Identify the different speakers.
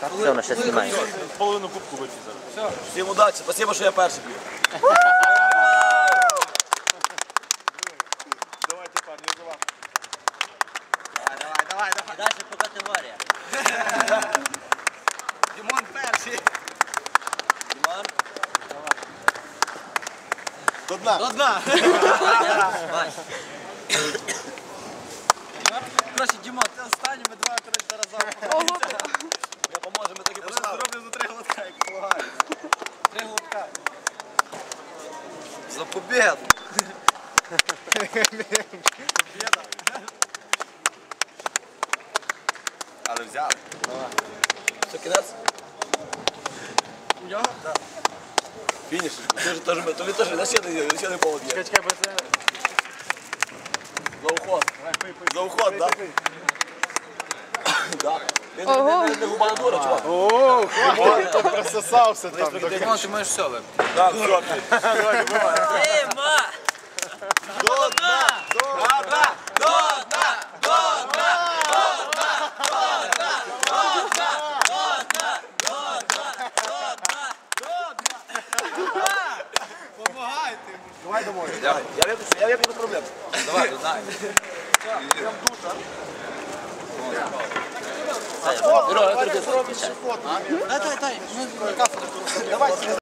Speaker 1: Все, воно ще знімає.
Speaker 2: Половину кубку вип'є зараз.
Speaker 3: Всім удачі, спасибо, що я перший п'ю.
Speaker 2: Давайте, парні, за вас.
Speaker 3: Давай.
Speaker 1: І далі по категоріях.
Speaker 3: Дімон перший.
Speaker 1: Дімон.
Speaker 2: До дна.
Speaker 3: До дна.
Speaker 1: Бач.
Speaker 3: Короче, Дімон, ти останній, ми два, зараз разом. Я поможу, ми таки поставимо. Зроблю за 3 глотка, як полагаю. 3 глотка. За победу. Победа. Але взяли. Все, кінець? У нього? Так. Фініш. Тобі теж на не повод є.
Speaker 2: Чекай, бо це...
Speaker 3: За уход. За уход, так? Так. Не губа не дура, чувак.
Speaker 2: О, хватит, прососався там.
Speaker 3: Димон, ти можеш все випити. Так, все.
Speaker 1: Дима!
Speaker 2: До дна! Давай домой.
Speaker 3: Я вип'ю без проблем. Давай, до дна.
Speaker 2: Прям душа.
Speaker 1: Юра, я тобі
Speaker 3: Дай. Давай.